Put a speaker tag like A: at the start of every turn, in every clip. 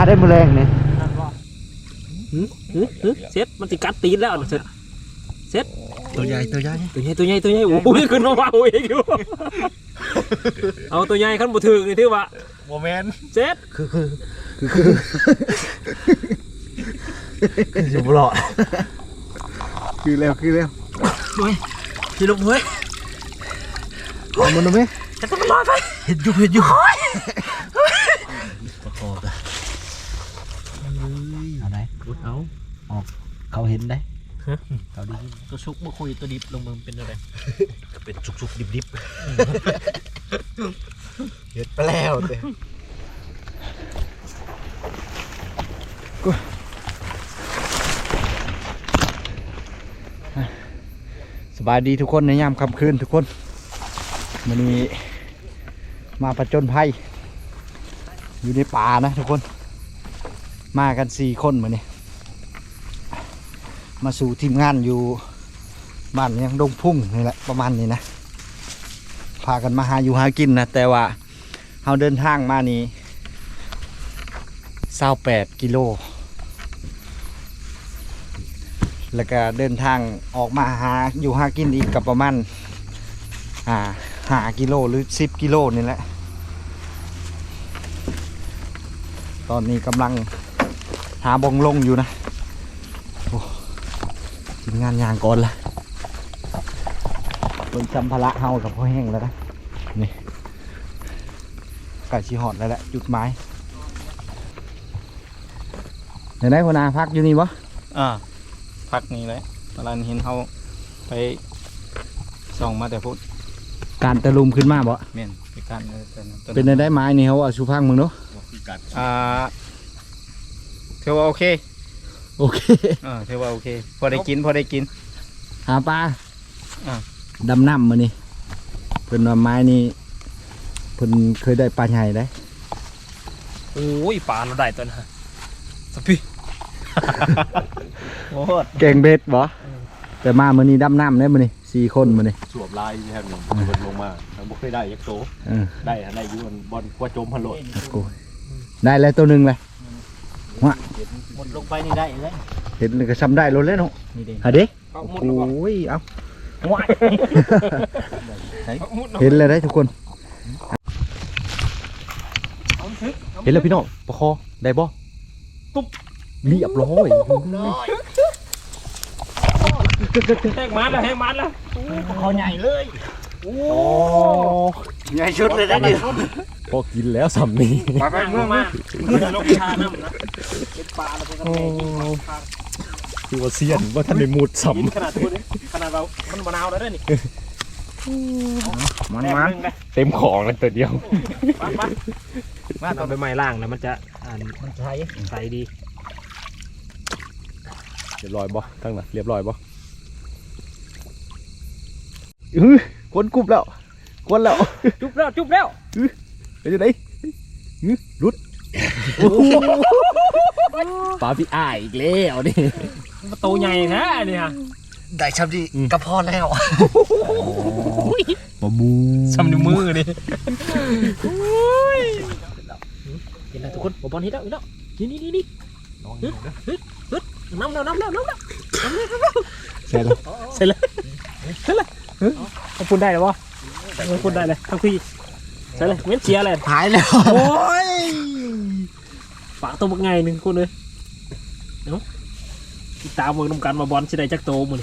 A: ได้มือแรงเนี่ย
B: เซ็ตมันติกัดตีนแล้วเซ็ต
A: ตัวใหญ่
B: โอ้ยขึ้นมาว่าโอ้ยอยู่เอาตัวใหญ่ขั้นบุถึงนี่ที่ว่า
C: โมเมนต์
B: เซ็ต
A: คือจะบลอดคือแล้ว
B: เฮ้ยพี่ลุงเฮ้ย
A: เอามันดูไหม
B: จะต้องรอดไป
A: เห็ดอยู่ประกอบเลยเอาไหน
B: เอา
A: ออกเขาเห็นได้เขาดี
B: ตัวชุกมาคุยตัวดิบลงมือเป็นอะไร
C: เป็นชุกดิบ
A: เห็ดไปแล้วเต้สบายดีทุกคนในยามค่ำคืนทุกคนวันนี้มาผจญภัยอยู่ในป่านะทุกคนมากัน4 คนมาเนี่ยมาสู่ทีมงานอยู่บ้านยังดงพุ่งนี่แหละประมาณนี้นะพากันมาหาอยู่หากินนะแต่ว่าเราเดินทางมานี่28 กิโลแล้วก็เดินทางออกมาหาอยู่หากินอีกกับประมาณ5 กิโลหรือ10 กิโลนี่แหละตอนนี้กำลังหาบงลงอยู่นะทีมงานยางก่อนละคนจำพละเฮากับพ่อแห้งแล้วนะนี่ไก่ชีหอดแล้วแหละจุดไม้เดี๋ยวได้คนอาพักอยู่นี่ปะ
B: พักนี่เลยตอนนั้นเห็นเขาไปส่องมาแต่พูด
A: การตะลุมขึ้นมาบ่
B: เมียน
A: เป็นได้ไม้นี่เขาเอาชูพังมึงเนาะ
B: เทว่าโอเคเทว่าโอเคพอได้กิน
A: หาปลาดำน้ำมานี่เพิ่นว่าไม้นี่เพิ่นเคยได้ปลาใหญ่ได้
B: โอ้ยปลาเราได้ตัวนะสัพี่โอ้โห
A: เก่งเบ็ดบ่แต่มามื้อนี้ดำน้ำได้มื้อนี้4 คนมื้อนี้
C: สวบลายแทบหนึ่งบนลงมาบ่เคยได้ยักษ์โตได้อยู่บอลกว่าโจมพันโหลด
A: ได้แล้วตัวนึงเลย
B: หมดลงไปนี่ได้เลย
A: เห็นก็ซ้ำได้รถแล้วเนาะฮะเด็กโอ้ยเอาเห็นเลยได้ทุกคนเห็นแล้วพี่น้องประคอได้บ่
B: ตุ๊บ
A: เรียบร้อย
B: แห้งมันแล้วประคอใหญ่เลยโอ้
A: ใหญ่ชุดเลยนะดิพอกินแล้วสำนี
B: ไปมาลงชาน้ำนะเป็นปลาแล้วเป็นอะไร
A: คือว่าเซียนว่าท่านในมูดสำ
B: ขนาดเรามันมะนาวแล้วนี่
A: มันเต็มของเลยตัวเดียว
B: มาตอนไปไม้ล่างนะมันจะใสดี
A: เรียบร้อยบ่ตั้งนะเรียบร้อยบ่คนกุบแล้วคนแล้ว
B: จุบแล้ว
A: ไปอยู่ไหนรุดปลาพี่อ้ายอีกแล้วนี่
B: มันโตใหญ่นะนี่ฮะ
A: ได้ชับดีกระเพาะแล้วมาบู
B: ช้ำนิ้วมือนี่เห็นไหมทุกคนบอลฮิตแล้วนี่น้ำเสร็จแล้วพูดได้หรอวะพูดได้เลยทั้งพี่ใช่เลยเว้นเชียร์เลย
A: หายแล้ว
B: โอ้ยฝากตัวบักไงหนึ่งคนเลยเนาะตามมือน้ำกันมาบอลชิได้จักโตมือ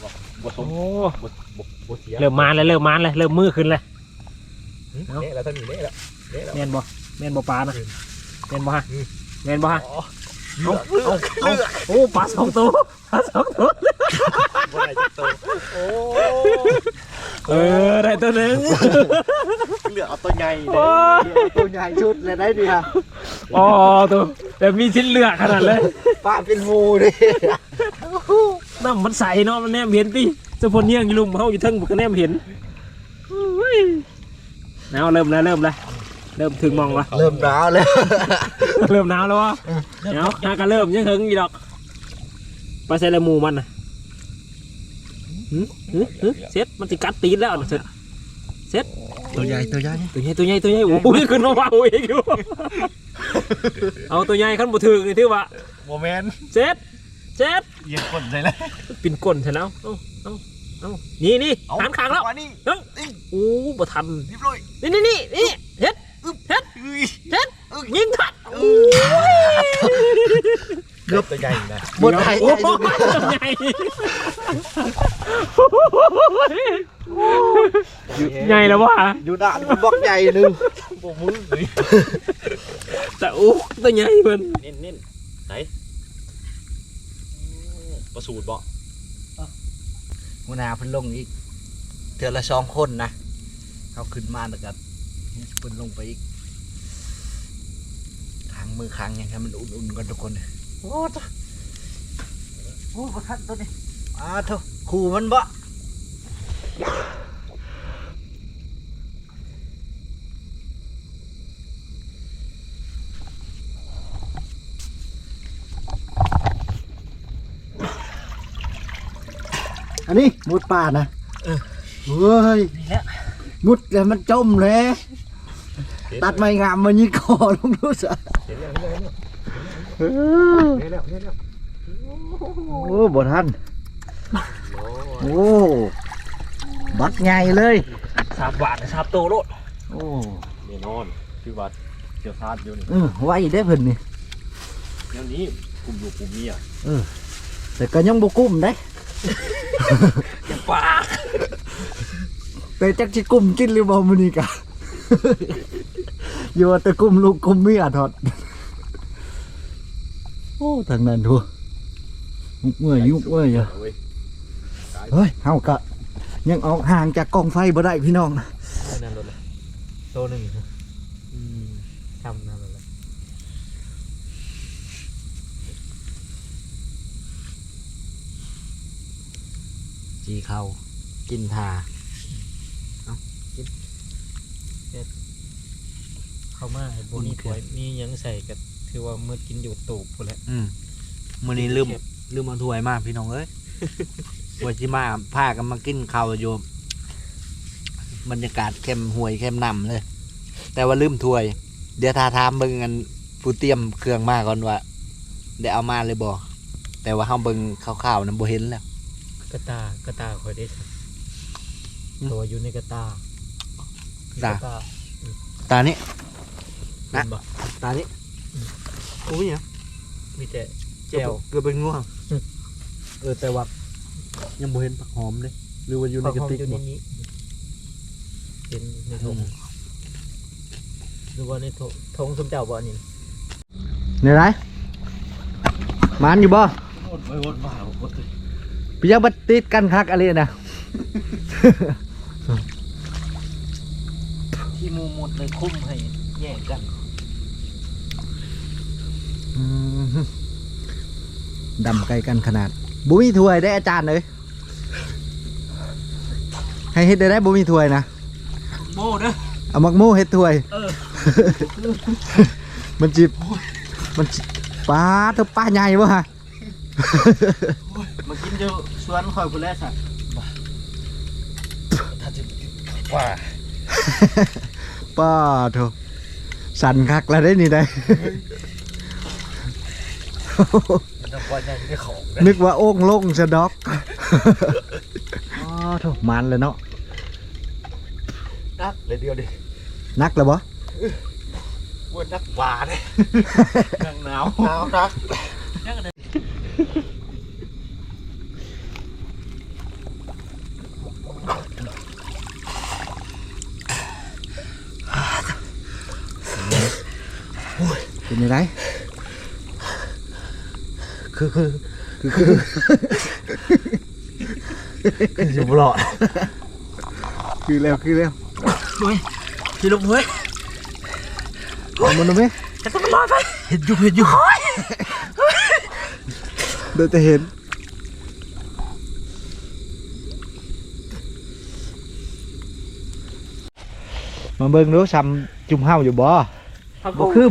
B: เริ่มมาเลยเริ่มมือขึ้นเลย
C: แล้วท่านมีเละแล้ว
B: แมนบ่ปลานะแมนบ่ฮะโอ้ปลา2 ตัว
C: ได้จักโต
B: ได้ตัวนึง
C: เหลือเอาตัวใหญ่
A: ชุดเลยได้ดีค่ะ
B: ตัวแต่มีชิ้นเลือกขนาดเลย
A: ปลาเป็นงูดิ
B: น้ำมันใสเนาะมันแนมเห็นดิเจ้าพลเยี่ยงอยู่ลุมเขาอยู่ทั้งบุกแนมเห็นแล้วเริ่มถึงมองวะ
A: เริ่มหนาวแล้ว
B: วะเดี๋ยวน่าก็เริ่มยังถึงอีดอกปลาเซเลมูมันนะเซ็ตมันติกัดตีนแล้วเซ็ต
A: ตัวใหญ่
B: ตัวใหญ่โอ้ยขึ้นมาว่าโอ้ยอยู่เอาตัวใหญ่ขั้นบ่ถึงนี่ถือว่า
C: โมเมนต์
B: เจ็ด
C: เยี่ยมก้นเลยเลย
B: ปิ่นก้นใช่แล้วเอานี่หันขางแล้ว
C: นี่
B: โอ้บ่ทัน
C: รีบเลย
B: นี่เฮ็ดยิงทัด
C: เกือบตัวใหญ่นะ
A: หมดไทย
B: โอ้ใหญ่ใหญ่แล้ววะ
A: อยู่ด่านมันบล็อกใหญ่นึง
C: โบมือเลย
B: แต่โอ้ตัวใหญ่เพิ่น
C: เน้นไหนประสูตรบ่
A: หัวหน้าเพิ่นลงอีกเทื่อละ2คนนะเขาขึ้นมาแล้วก็เพิ่นลงไปอีกค้างมือค้างยังให้มันอุ่นๆกันทุกคนโอ้ประทัดตัวนี้เถอะขู่มันบ่อันนี้มุดป่านะเฮ้ย
B: นี่แหละ
A: มุดแล้วมันจมเลยตัดไม้งามมันยิงคอลงดูสิ
C: เห็นแล้ว
A: โอ้บ่ทันโอ้บักใหญ่เลย
B: 3 บาทนะ3โตโลด
A: โอ้
C: แน่นอนคือว่าเกี่ยวซาดอยู่นี่
A: ไว้ได้เพิ่นนี่
C: เดี๋ยวนี้กลุ่มอยู่กลุ่มเมีย
A: แต่ก็ยังบ่กุ้มได้
B: อย่าปาก
A: แต่จักสิกุ้มกินหรือบ่มื้อนี้กะ อยู่ว่าแต่กุ้มลูกกุ้มเมียทอดโอ้ทางนั้นดูยุกเมื่อยอยู่เฮ้ยเฮากะยังออกห่างจากกองไฟบ่ได้พี่น้อง
B: นั่นโลดเลยโตนึงทำนั่นเลย
A: จีเข้ากินทา
B: เข้ามาบ่มีถ้วยมีหยังใส่ก็ถือว่ามื้อกินอยู่ตูบพุ่นแหละ
A: มื้อนี้ลืมเอาถ้วยมาพี่น้องเอ้ย ว่าสิมาพากันมากินข้าวอยู่บรรยากาศเข้มห่วยเข้มน้ำเลย แต่ว่าลืมถ้วย เดี๋ยวทาถามเบิ่งกันผู้เตรียมเครื่องมาก่อนว่าได้เอามาเลยบ่แต่ว่าเฮาเบิ่งคร่าวๆนำบ่เห็นแล้ว
B: กระตาคอยได้สักตัวอยู่ในกระตา
A: ตานี้
B: นะบ่
A: ตานี้โอ้ยเนี่ย
B: มีแต่แจ่ว
A: เกือบเป็นง่วงแต่ว่ายังบ่เห็นผักหอมเลยหรือว่าอยู่ในกระติก
B: อยู่ใน
A: บ่
B: นี้เป็นในถุงหรือว่าในถุงสมเจ้าบ่นี่
A: เนี่ยไรมันอยู่บ่
C: วนมาหมดเลย
A: พี่ยังบัดติดกันคักอะไรนะ
B: ที่มูมุดเลยคุ้มให้แยกกัน
A: ดำไกลกันขนาดบุมีถ้วยได้อาจารย์เลยให้เฮ็ดได้บุมีถ้วยนะ
B: โม่เด้อ
A: เอามักโม่เฮ็ดถ้วยมันจิบปลาตัวปลาใหญ่วะฮะ
B: มากินอยู่สวนคอยพุ่นแลสัก
C: ว่า
A: ป้าโถสั่นคักแล้วได้นี่ได้
C: มันจะว่าใหญ่ได้ของ
A: นึกว่าโอ่งโล่งสะดอก อ๋อโถมันเลยเนาะ
C: นักเลยเดียวดิ
A: นักแล้วบ่
C: วนนักหวานเลยหนาวนัก
A: เป็นยังไงคือ
C: อยู่บลอด
A: คือแล้ว
B: เฮ้ยพี่ลูกเฮ้ย
A: เอามันดูไหม
B: จะต้องรอดไป
A: เห็นอยู่เดี๋ยวจะเห็นมาเบิ่งดูซ้ำจุ่มเฮาอยู่บ่บ่คือ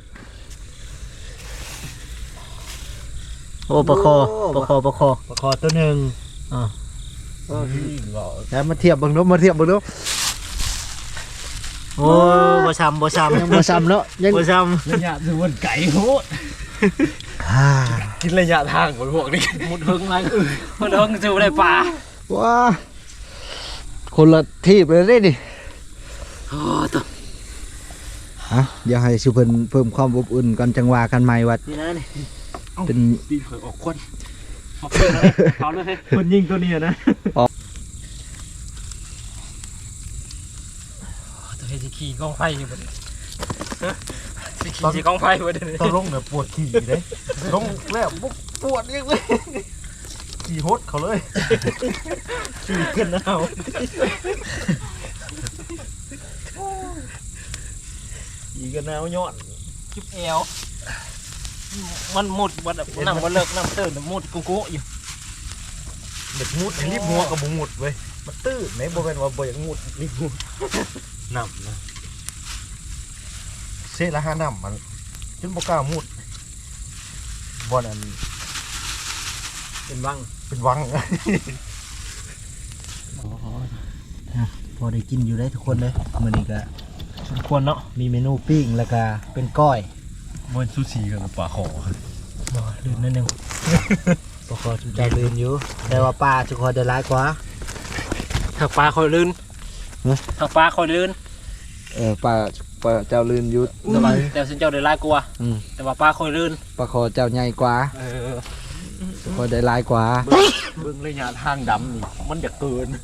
A: โอ้ปลาคอตัวหนึ่งแล้วมาเทียบเบิ่งดูโอ้บ่ซ้ำยังบ่ซ้ำเนาะยังบ่ซ้
B: ระยะถือว่าไก่โหด
A: ำ
C: กินระยะทางพวกนี้
B: หมดเฮิงอะไรหมดเฮิงจะได้ปลา
A: ว้าคนละทีบเลยได้ดิ
B: โอ้ตัว
A: อ่ะเดี๋ยวให้สุเพิ่นเพิ่มความอบอุ่นก่อนจังหวะกันใหม่ว่า
B: นี่นะนี่
A: เป็น
B: ปีเผยออกควันมาเพื่อนเลยเขาเลย
C: คนยิงตัวนี้นะ
B: ตัวเฮจิขี่กองไฟอยู่บนขี่กองไฟบนนี้
C: ตอนลงเนี่ยปวดขี่เลยลงแล้วปวดยังเลยขี่ฮดเขาเลย
B: ขี่ขึ้นนะเอาขี่กันเอายอดจุ๊บเอวมันหมดวันนั่งวันเลิกนั่งตื่นหมดกุ๊กอยู่
C: เด็กมุดรีบหัวกับบุงมุดเว้ยมันตื้อไหนบ่เป็นว่าบ่อยากมุดรีบมุดน้ำนะเสละห้าน้ำมันจนบ่กล้ามุดบ่อนอัน
B: เป็นวัง
C: เป็นวัง
A: พอได้กินอยู่ได้ทุกคนเลยมื้อนี้ก็
B: สมควรเนาะ
A: มีเมนูปิ้งแล้วก็เป็นก้อย
C: มันซูชิกับปลาขอ
B: บ่ลืมนิดนึง
A: ปกติจะลืมอยู่แต่ว่าปลาทุกคนได้หลายกว่า
B: ถักปลาคอยลื่น
A: ฮะ
B: ถักปลาคอยลื่น
A: ปลาเจ้าลืมอยู่
B: แต่สินเจ้าได้หลายกว่าแต่ว่าปลาคอยลื่น
A: ปลาคอเจ้าใหญ่กว่าทุกคนได้หลายกว่า
C: เบิ่งระยะทางดำนี่มันจะเกิน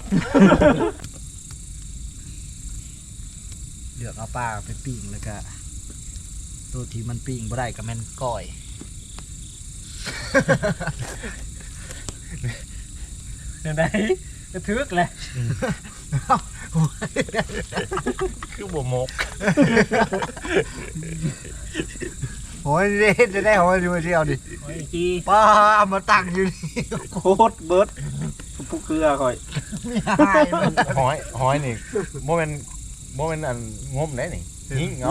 A: เลือกเอาปลาไปปิ้งแล้วก็ตัวที่มันปิ้งบ่ได้ก็แม่นก้อย
B: เดี๋ยวได้กระทึกเลย
C: คือบ่มก
A: โอ้ยจะได้หอยอยู่เดียวดิ
B: โอ้ยจี
A: ปลาเอามาตั้งอยู่นี่
B: โคตรเบิร์ดผู้เกลือคอย
C: หอยนี่โมเมนอันงมได้นี่ยิงเอา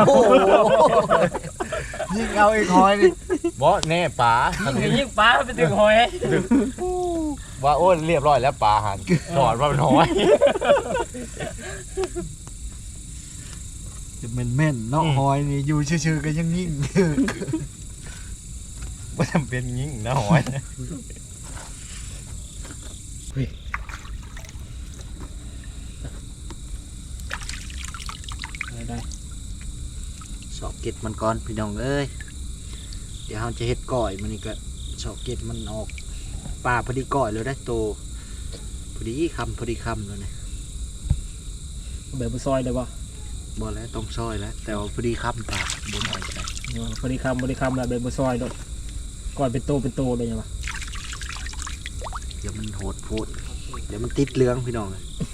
A: ยิ่งเอาอีกหอยดิ
C: บ่แน่ปลาอันนี้
B: ยิ่งปลาไปถึงหอย
C: ว่าโอ้เรียบร้อยแล้วปลาหันถอดว่าเป็นหอย
A: จะแม่นๆเนาะหอยนี่อยู่ชื่อๆก็ยังยิ่ง
C: ว่าจำเป็นยิงนะหอย
B: ได้
A: สอบเก็ดมันก่อนพี่น้องเอ้ยเดี๋ยวเราจะเฮ็ดก้อยมันนี่ก็สอบเก็ดมันออกปลาพอดีก้อยเลยได้โตพอดีคำเลยนะ
B: แบบซอยได้ป่ะ
A: บ่แล้วต้องซอยแล้วแต่ว่าพอดีคำปลาบนหอยก็ได้
B: บริคำแบบแบบซอยด้วยก่อนเป็นโตเลยยังไง
A: เดี๋ยวมันโหดโพดเดี๋ยวมันติดเหลืองพี่น้องเลย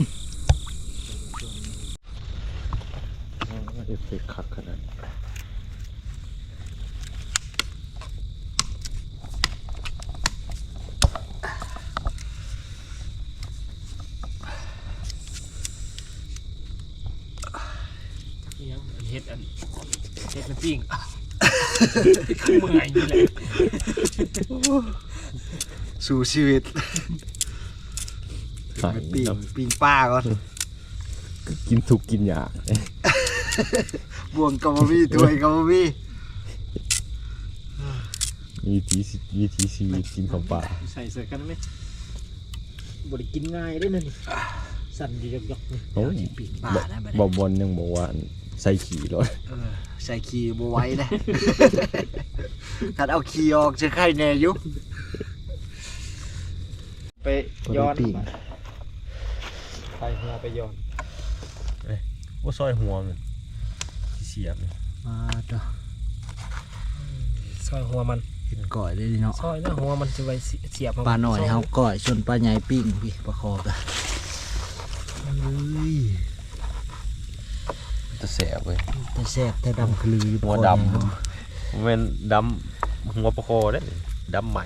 C: เอฟเฟกต์คักขนาด
B: เฮ็ดมันปิ้งคือเมื่อยนี่แหละ
A: สู่ชีวิตปิ้งป้าก่อน
C: กินถูกกินยาก
A: บ่วงกับบะมี่ถ้วยกับบะมี่
C: วิถีชีวิตกินของป่า
B: ใส่เสื้อกันไหมบริกินง่ายได้นั่นสั่นดียก
C: โอ้ย
A: ปิ้งป้านะบัด
C: บ
A: นี้
C: บอลยังบอกว่าใส่ขี่รถ
A: ใส่ขี้บ่ไหว้นะ ถ้าเอาขี้ออกจะไข่แน่อยู่
B: ไปย้อน
A: ปิ้ง
B: ไปหัวไปย้อน
C: ว่าซอยหัวมันเสียบ
A: มาจ้ะ
B: ซอยหัวมัน
A: เห็นก่อยเลยดิเนาะ
B: ซอยนะหัวมันจะไปเสียบ
A: ปลาหน่อยเฮาก่อยส่วนปลาใหญ่ปิ้งพี่ปลาคอกะเฮ้ย
C: จะแสบเว้ย
A: แต่แซ่บแต่ดำคลืออยู่
C: หัว
A: คอ
C: ด
A: นี่
C: ำมันดำหัวปลาคอได้ดำใหม่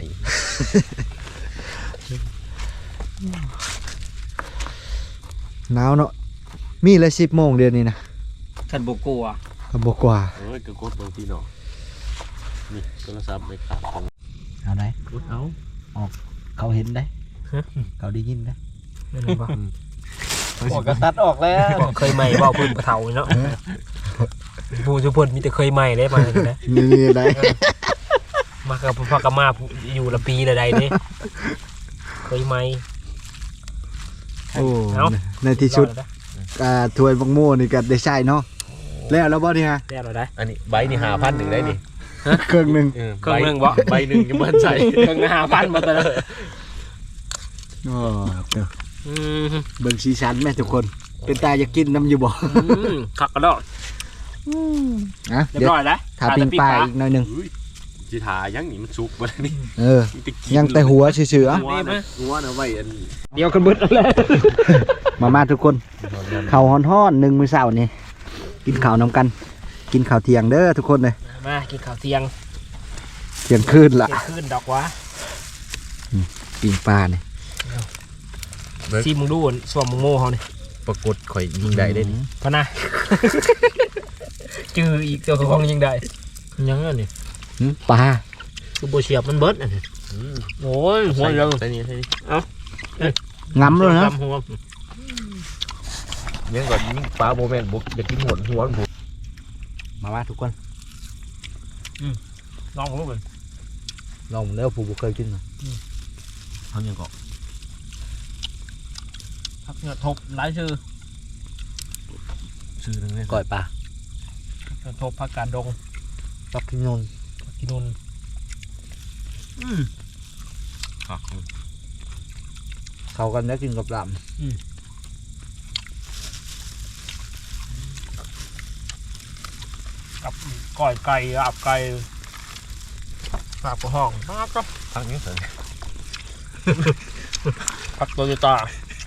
A: หนาวเนาะมีเลย10 โมงเดือนนี้นะ
B: ขันบกัว
A: ก็บอกกว่า
C: เอ้ยกระกดบางทีเนาะนี่โทรศัพท์ไม่ขาดของ
A: เอาได้
B: เอา
A: เขาเห็นได้เขาได้ยินได้
B: นั่นแหละป่ะ
C: บอกก็ตัดออกแล้ว
B: เคยใหม่บ่พื้นกระเทาเนาะผู้ชุพลมีแต่เคยใหม่ได้มานะ
A: นี่อะไร
B: มากับพ่อกับมาอยู่ละปีละใดนี่เคยใหม่
A: โอ้ในที่สุดถ้วยบักโม่นี่ก็ได้ใช้เนาะแล้วบ่นี่ฮะ
B: แล้เราได้
C: อันนี้ใบนี่5,000ได้นี่
A: เครื่องหนึง
B: เครื่องนึงบ่
C: ใบหนึ่งยังมันใส่
B: เครื่อง5,000มาแต่ละ
A: อ๋อเบิ่งสีสันแม่ทุกคนเป็นตาอยากกินน้ำอยู่บ่
B: ขักกระดอก
A: อ่ะ
B: เรีย
A: เดี๋ย
B: บ
A: ว
B: ร้อยแล้ว
A: ถ้าปิ้งปลาอีกหน่อยหนึง
C: จิถายังนี่มันสุกบ่นี่
A: ยังแต่หัวเฉยๆ
C: หัวนะไว้อัน
B: เดี๋ยวกันเบิดแล้ว
A: มาทุกคนข้าวฮ้อนๆ1มื้อเช้านี่กินข้าวนำกัน กินข้าวเที่ยงเด้อทุกคนเลย
B: มากินข้าวเที่ยง
A: เที่ยงคืนละ
B: เที่ยงคืนดอกวะ
A: ปิ้งปลานี่
B: ซีมึงดูสวมมึงโม่เขาเนี่ย
C: ปรากฏข่อยยิงได้ได้นี่
B: พะนะจืออีกตัวของยังได้ยังไงนี่
A: ปลา
B: คือโบเชียบมันเบิดอ่ะโอ้ยหัวเรา
C: ใส่นี่
A: งำเลยนะ
B: หัว
C: ยังก่อนยิงปลาโบแมนบุกอยากกินหัวมันบุก
A: มาทุกคน
B: น้องผมเลย
A: ลองเด้อผู้บ่เคยกิน
C: เขายังก่อน
B: พักเงือกทบหลายชื่อ
C: ซื้อนึงเลย
A: ก้อยปลา
B: เงือกทบพักการดง
A: ปักกินนน
B: กินนุน
A: เข้ากันแล้วกินกับล
B: กับก้อยไก่อับไก่ปากกระห้องมากก็
C: ทางนี้เสร็จ
B: ผักโตโยต้า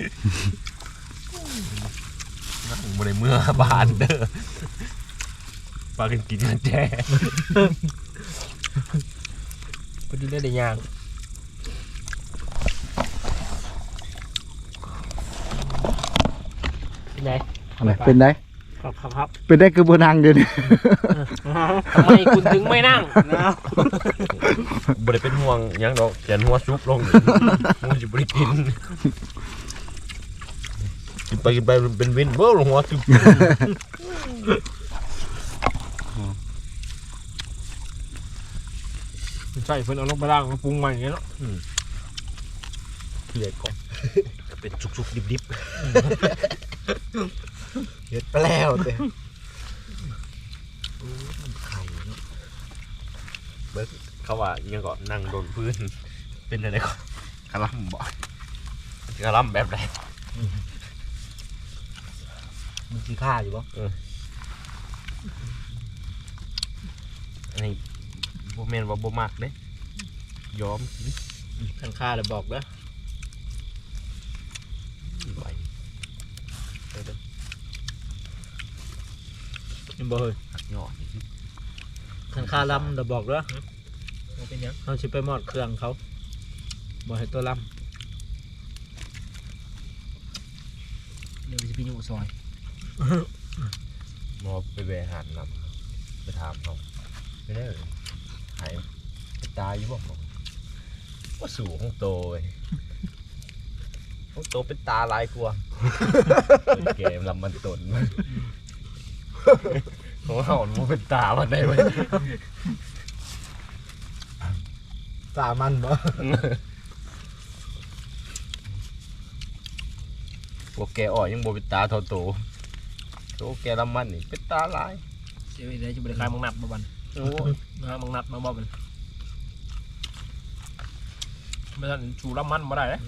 C: นั่งบนในเมื่อบานเด้อปลากินกันแจ้
B: พอดีได้ย่างเป็นไง
A: ำอะไรเป็นได้
B: ครับ
A: เป็นได้คือบ่นั่งเดี๋ยวนี้
B: ทำไมคุณถึงไม่นั่ง
C: บ่ได้เป็นห่วงยังดอกแขนหัวซุบลงมูจะบ่ได้กินกินไปเป็นวินเบ้อลงหัวซุบ
B: ใช่เพิ่นเอาลงไปล่างปรุงใหม่อย่างเงี้ยเนาะ
C: เกลียดก่อนเป็นสุกๆดิบ
A: เฮ็ดไปแล้วเด้
C: ๆเขาว่ายังก่อนนั่งโดนพื้นเป็นอะไรก่อนกระลำบ่กระลำแบบไหน
A: มันสิค่าอยู่บ่
C: อันนี้โบแมนว่าโบมักเด้ยอมกิน
B: ทางค่าเลยบอกเด้อ
C: ไหว
B: ยังบ่เฮ้ย
C: หักยอด
B: ทางค่าลำเดี๋ยวบอกเด้อเป็นยังเขาชิไปมอดเครื่องเขาบอกให้ตัวลำเดี๋ยวจะไปอยู่ซอย
C: มอไปแวะหาดนำไปถามเขาไม่ได้เลยหายไปตายอยู่บ่บอกว่าสูงของโตเว้ยของโตเป็นตาลายกลัวเกมลำมันตนของเขามันเป็นตามันได้ไหม
A: ตามันบ่
C: พวกแกอ่อยยังโบเป็นตาเท่าโตโตแกลำมันนี่เป็นตาลาย
B: เดี๋ยวจะบริการมังนัดมาบัน
C: โอ้
B: นะมังนัดมาบ่บันไม่ทันชูรับมันมาได้เลย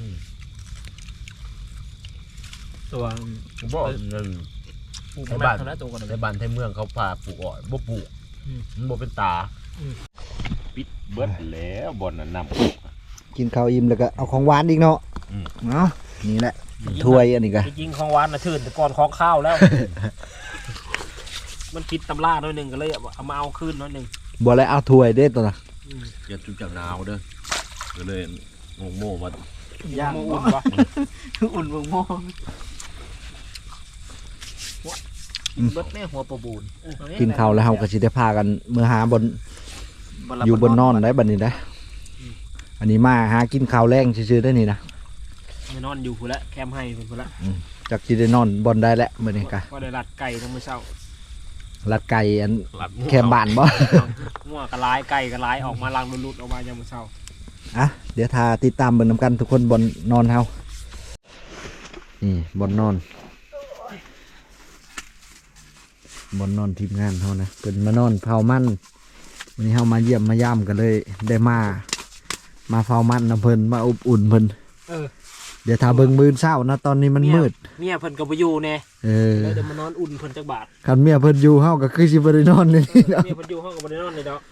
B: ตัว
C: บอก
B: ปลูกบ้านนะตัวกัน
C: ใน
B: เลย
C: บ้านไทยเมืองเขาพาปลูกอ้อยบ่ปลูกมันบ่เป็นตาปิดเบิดแล้วบ่อนน่ะนำ
A: กินข้าวอิ่มแล้วก็เอาของหวานอีกเนาะเนาะนี่แหละถ้วยอันนี้ก็
B: จริงของหวานนะชื่นแต่ก่อนของข้าวแล้ว มันคิดตำราหน่อยหนึ่งก็เลยเอามาเอาคืนหน่อยหนึ่ง
A: บ่แล้วเอาถ้วยเด้ตัวน่ะ
C: อย่าจุดจับหนาวเด้อก็เลยงงโม่มา
B: ย่างอุ่นปะ
A: อุ่นมอง
B: เบิดแม่หัวปะบูน
A: กินข้าวแล้วเฮาก็สิได้พากันมื้อหาบนอยู่บนนอนได้บัดนี้นะอันนี้มาหากินข้าวแรงซื่อๆได้นี่นะ
B: ไม่นอนอยู่พุ่นละแคมป์ให้พุ่นละ
A: จากที่ได้นอนบอลได้แล้วมื้อนี้กะ
B: ก็ได้รัดไก่ทั้งมื้อเช้า
A: ลัดไก่อัน
B: รัด
A: แคมบ้านบ่
B: งัวกระลายไก่กระลายออกมาลังลุดๆออกมายามมื้อเช้า
A: อ่ะเดี๋ยวทาติดตามเบิ่งนำกันทุกคนบนนอนเฮานี่บนนอนทีมงานเฮานะเพิ่นมานอนเผามันวันนี้เฮามาเยี่ยมมาย่ำกันเลยได้มาเฝ้ามันนำเพิ่นมาอบอุ่นเพิ่น
B: เออ
A: เดี๋ยวทาเบิ่งมื้อเช้านะตอนนี้มันมืด
B: เมียเพิ่นก็บ่อยู่แน่
A: เออ
B: เลยเดี๋ยวมานอนอุ่นเพิ่นจักบาท
A: คันเมียเพิ่นอยู่เฮาก็คือสิบ่ได้นอนเลย
B: เมียเพิ่นอยู่ห้องก็บ่ได้นอนเลยดอก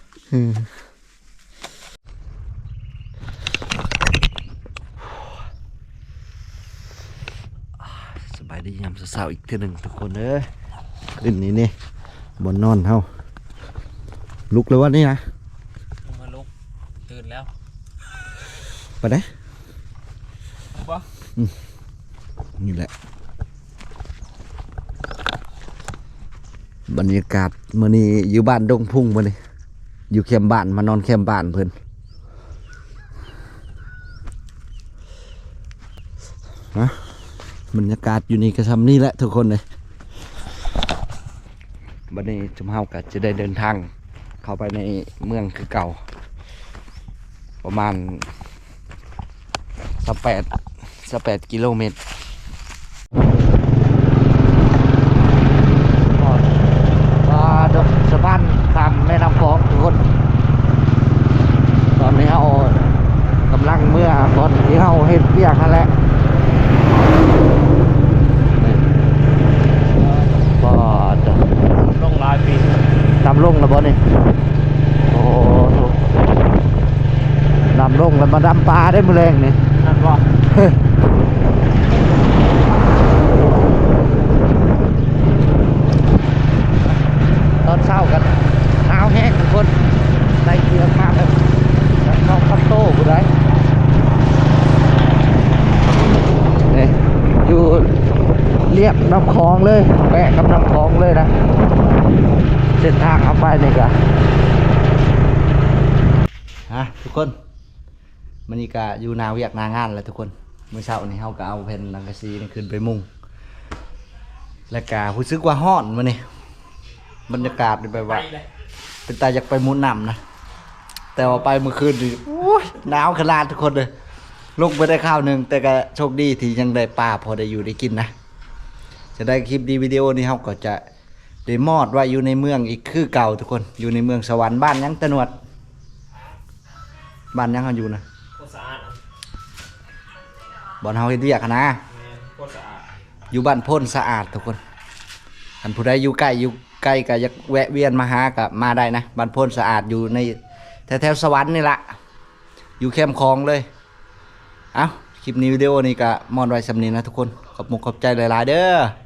A: สบายดียามเช้าๆอีกเทื่อหนึงทุกคนเด้อขึ้นนี่บนนอนเฮาลุกเลยวันนี้นะ
B: มาลุกตื่นแล้ว
A: ไปได้
B: บ่
A: นี่แหละบรรยากาศมื้อนี้อยู่บ้านดงพุ่งมื้อนี้อยู่แคมป์บ้านมานอนแคมป์บ้านเพิ่นนะบรรยากาศอยู่นี่ก็ทำนี่แหละทุกคนเลยบัดนี้จุมเฮาก็จะได้เดินทางเข้าไปในเมืองคือเก่าประมาณ18กิโลเมตรสะพานข้ามแม่น้ำคลองทุกคนตอนนี้เฮากำลังเมื่อตอนที่เฮาเฮ็ดเวียกนั่นแหละก็จะ
B: ลงหลายปี
A: นำลงแล้วบ่นี่โอ้โหนำลงแล้วมาดำปลาได้มื้อแรงนี่
B: นั่นบ่
A: ตอนเช้ากันหนาวแห้งทุกคนใส่เกียร์มาแบบน้องคัตโต้ผู้ใดนี่อยู่เรียบน้ำคลองเลยแปะกับน้ำคลองเลยนะเส้นทางเอาไปนี่กะฮะทุกคนมันนี่กะอยู่นาเวียกนางานแล้วทุกคนเมื่อเช้านี้เฮาก็เอาแผ่นลังกะซีนี่ขึ้นไปมุงและกะรู้สึกว่าฮ้อนมื้อนี้บรรยากาศเป็นแบบว่าเป็นตาอยากไปมุนน้ำนะแต่ว่าไปเมื่อคืนดิโอ้ยหนาวขนาดทุกคนเลยลงไปได้ข้าวหนึ่งแต่ก็โชคดีที่ยังได้ปลาพอได้อยู่ได้กินนะจะได้คลิปดีวิดีโอนี้เขาก็จะได้มอดไว้อยู่ในเมืองอีกคือเก่าทุกคนอยู่ในเมืองสวรรค์บ้านยังตะนวดบ้านยังเขาอยู่นะ
B: โคตรสะอาด
A: บ่อนเฮาเฮ็ดเวียกอะนะ
B: โคตรสะอาด
A: อยู่บ้านโพ้นสะอาดทุกคนอันผู้ใดอยู่ใกล้ก็อยากแวะเวียนมาหาก็มาได้นะบ้านโพ้นสะอาดอยู่ในแถวสวรรค์นี่ละอยู่แคมป์คลองเลยเอ้าคลิปนี้วิดีโอนี้ก็มอนไว้สำนีนะทุกคนขอบใจหลายๆเด้อ